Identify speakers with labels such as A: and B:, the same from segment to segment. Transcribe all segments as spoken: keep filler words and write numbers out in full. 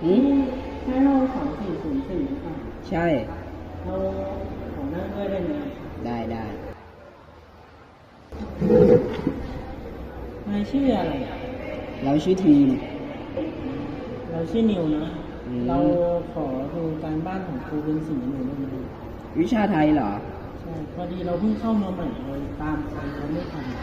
A: อืม
B: ให้เราสองสี่ศูนย์สี่อ่ะ
A: ใช่
B: เราขอนั่งด้วยได้ไหม
A: ได้ได้
B: นายชื่ออะไร
A: เราชื่อทีม
B: เราชื่อนิวนะเราขอดูการบ้านของครูเป็นสีหนูได้ไหม
A: วิชาไทยเหรอ
B: ใช่พอดีเราเพิ่งเข้ามาใหม่เลยตามทันเขาไม่ทัน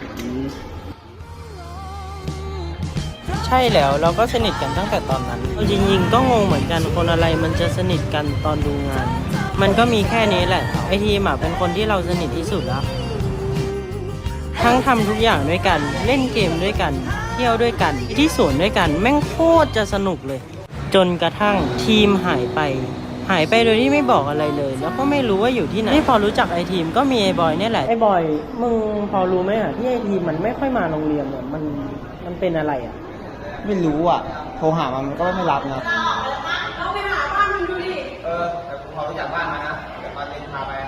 B: ใช่แล้วเราก็สนิทกันตั้งแต่ตอนนั้นจริงๆก็งงเหมือนกันคนอะไรมันจะสนิทกันตอนดูงานมันก็มีแค่นี้แหละไอทีมอ่ะเป็นคนที่เราสนิทที่สุดแล้วทั้งทำทุกอย่างด้วยกันเล่นเกมด้วยกันเที่ยวด้วยกันที่สวนด้วยกันแม่งโคตรจะสนุกเลยจนกระทั่งทีมหายไปหายไปโดยที่ไม่บอกอะไรเลยแล้วก็ไม่รู้ว่าอยู่ที่ไหนที่พอรู้จักไอทีมก็มีไอบอยนี่แหละไอบอยมึงพอรู้ไหมอ่ะที่ไอทีมมันไม่ค่อยมาโรงเรียนเนี่ยมันมันเป็นอะไรอ่ะ
A: ไม่รู้อ่ะโทรหามันมันก็ไม่รับนะ
C: เราไปหาบ้านมันดูดิ
D: เออแต่พอรู้จักบ้านมานะเดี๋ยวมาเล่นพาไป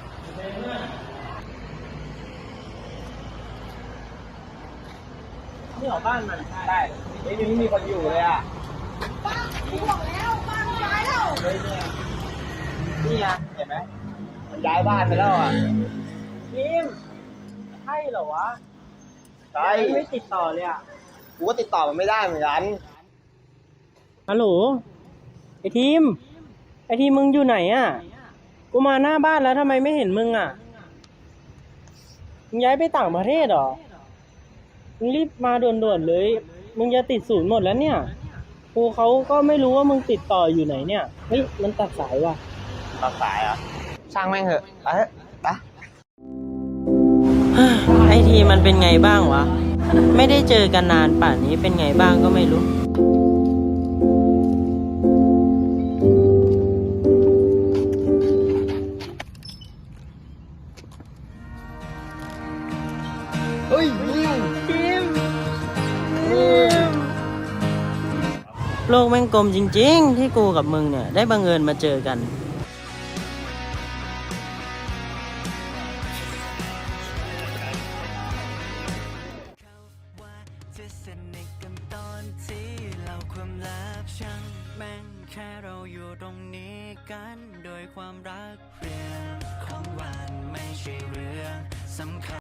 B: นี่หรอบ้านมัน
D: ได้ไม่มีมีคนอยู่เลยอ่ะ
C: บ้านกูบอกแล้วบ้านย้ายแล้ว
D: นี่ไงเห็นไหมมันย้ายบ้านไปแล้วอ่ะ
B: ทีมใช่เหรอวะ
D: ใช่
B: ไม่ติดต่อเลยอ่ะ
D: กูก็ติดต่อมันไม่ได้เหมือนกัน
B: ฮัลโหลไอทีมไอทีมมึงอยู่ไหนอ่ะกูมาหน้าบ้านแล้วทำไมไม่เห็นมึงอ่ะมึงย้ายไปต่างประเทศเหรอมึงรีบมาด่วนๆเลยมึงจะติดศูนย์หมดแล้วเนี่ยครูเขาก็ไม่รู้ว่ามึงติดต่ออยู่ไหนเนี่ยเฮ้ยมันตัดสายว่ะ
D: ตัดสายอ่ะช่างแม่งเถอะไปเถอะไป
B: ไอทีมันเป็นไงบ้างวะไม่ได้เจอกันนานป่านนี้เป็นไงบ้างก็ไม่รู้
D: เฮ้ยนิว
B: ทีมทีมโลกแม่งกลมจริงๆที่กูกับมึงเนี่ยได้บังเอิญมาเจอกันแค่เราอยู่ตรงนี้กันโดยความรักเรื่องของหวานไม่ใช่เรื่องสำคัญ